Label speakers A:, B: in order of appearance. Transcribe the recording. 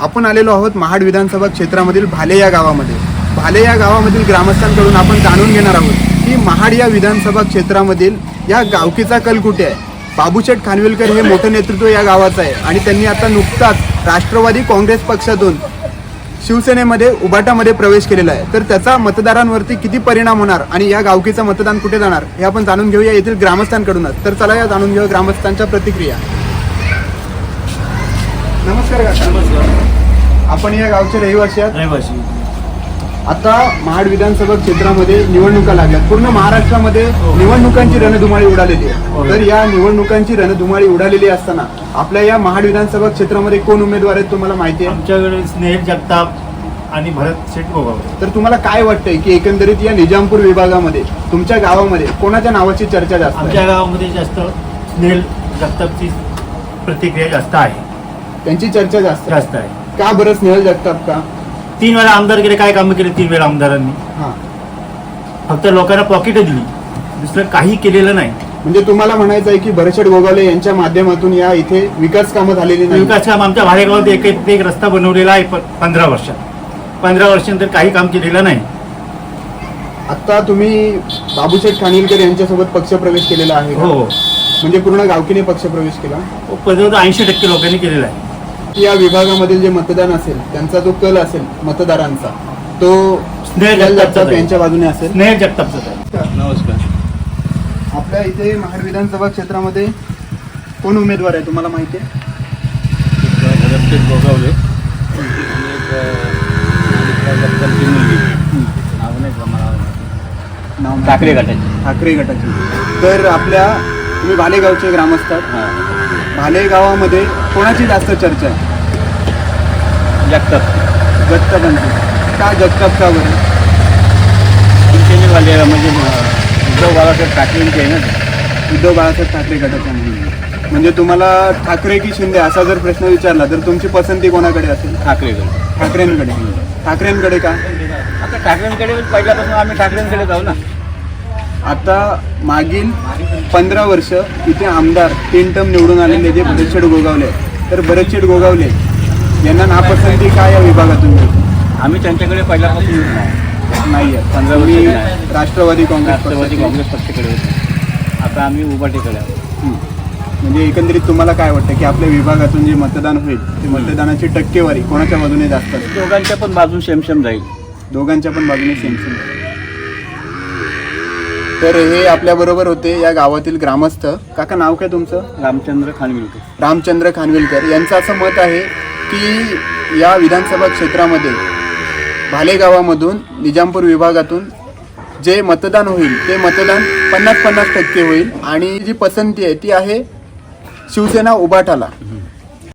A: आपण आलेलो आहोत महाड विधानसभा क्षेत्रामधील भाले या गावामध्ये. भाले या गावामधील ग्रामस्थांकडून आपण जाणून घेणार आहोत की महाड या विधानसभा क्षेत्रामधील या गावकीचा कल कुठे आहे. बाबूशेठ खानविलकर हे मोठं नेतृत्व या गावाचं आहे आणि त्यांनी आता नुकताच राष्ट्रवादी काँग्रेस पक्षातून शिवसेनेमध्ये उबाटामध्ये प्रवेश केलेला आहे. तर त्याचा मतदारांवरती किती परिणाम होणार आणि या गावकीचं मतदान कुठे जाणार हे आपण जाणून घेऊया येथील ग्रामस्थांकडूनच. तर चला या जाणून घेऊया ग्रामस्थांच्या प्रतिक्रिया. नमस्कार काका.
B: नमस्कार.
A: आपण या गावचे रहिवासी आहात.
B: रहिवासी.
A: आता महाड विधानसभा क्षेत्रामध्ये निवडणुका लागल्यात. पूर्ण महाराष्ट्रामध्ये निवडणुकांची रणधुमाळी उडालेली आहे. तर या निवडणुकांची रणधुमाळी उडालेली असताना आपल्या या महाड विधानसभा क्षेत्रामध्ये कोण उमेदवार आहेत तुम्हाला माहिती आहे?
B: आमच्याकडे स्नेहल जगताप आणि भरत शेठ गोगावले.
A: तर तुम्हाला काय वाटतंय की एकंदरीत या निजामपूर विभागामध्ये तुमच्या गावामध्ये कोणाच्या नावाची चर्चा जास्त आहे?
B: आमच्या गावामध्ये जास्त स्नेहल जगतापची प्रतिक्रिया जास्त आहे.
A: त्यांची चर्चा जास्त
B: आहे.
A: का बरं स्नेहल जगताप का?
B: 3 वेळा आमदार केले. काय कामं केले 3 वेळा आमदारांनी?
A: हां,
B: फक्त लोकांना पॉकेट दिली, दुसरं काही केलेलं नाही.
A: म्हणजे तुम्हाला म्हणायचं आहे की भरतशेठ गोगावले यांच्या माध्यमातून या इथे विकास कामं झालेली नाही.
B: विकास काम आमच्या भाडेगावात एक रस्ता बनवलेला आहे 15 वर्षात. 15 वर्षानंतर काही काम केलेलं नाही.
A: आता तुम्ही बाबूशेठ खानविलकर यांच्यासोबत पक्षप्रवेश केलेला आहे का?
B: हो,
A: म्हणजे पूर्ण गावकीने पक्षप्रवेश केला.
B: 80% लोकांनी केलेला आहे.
A: या विभागामधील जे मतदान असेल त्यांचा जो कल असेल मतदारांचा तो
B: स्नेहल
A: जगताप यांच्या बाजूने असेल.
B: स्नेहल जगतापचं आहे.
C: नमस्कार.
A: आपल्या इथे महाड विधानसभा क्षेत्रामध्ये कोण उमेदवार आहे तुम्हाला माहिती आहे?
C: भरतशेठ गोगावले आणि जगतापची मुलगी. नाव नाही का मला.
A: नाव
C: ठाकरे गटाची.
A: ठाकरे गटाची. तर आपल्या तुम्ही भाले गावचे ग्रामस्थ आहात.
C: हां.
A: भाले गावामध्ये कोणाची जास्त चर्चा आहे?
C: जगताप.
A: जगतापांची. का जगताप का बरं?
C: शिवसेनेवाले म्हणजे उद्धव बाळासाहेब ठाकरेंचे आहे ना.
A: उद्धव बाळासाहेब ठाकरे गटाच्या म्हणून. म्हणजे तुम्हाला ठाकरे की शिंदे असा जर प्रश्न विचारला तर तुमची पसंती कोणाकडे असेल?
C: ठाकरेकडे.
A: ठाकरेंकडे. ठाकरेंकडे का?
C: आता ठाकरेंकडे पहिल्यापासून आम्ही ठाकरेंकडे जाऊ ना.
A: आता मागील 15 वर्ष इथे आमदार 3 टर्म निवडून आलेले जे भरतशेठ गोगावले, तर भरतशेठ गोगावले यांना नापसंती काय या विभागातून मिळते?
C: आम्ही त्यांच्याकडे पहिल्यापासून
A: नाही आहे.
C: 15 वर्ष
A: तुम्ही
C: नाही.
A: राष्ट्रवादी
C: राष्ट्रवादी
A: काँग्रेस
C: काँग्रेस पक्षाकडे होतो. आता आम्ही उभाटीकडे आहोत.
A: म्हणजे एकंदरीत तुम्हाला काय वाटतं की आपल्या विभागातून जे मतदान होईल ते मतदानाची टक्केवारी कोणाच्या बाजूने जास्त असेल?
C: दोघांच्या पण बाजून सेम जाईल.
A: दोघांच्या पण बाजूने सेम. तर हे आपल्या बरोबर होते या गावातील ग्रामस्थ. काका नाव काय तुमचं?
C: रामचंद्र खानविलकर.
A: रामचंद्र खानविलकर यांचं असं मत आहे की या विधानसभा क्षेत्रामध्ये भाले गावामधून निजामपूर विभागातून जे मतदान होईल ते मतदान 50-50% होईल आणि जी पसंती आहे ती आहे शिवसेना उबाटाला.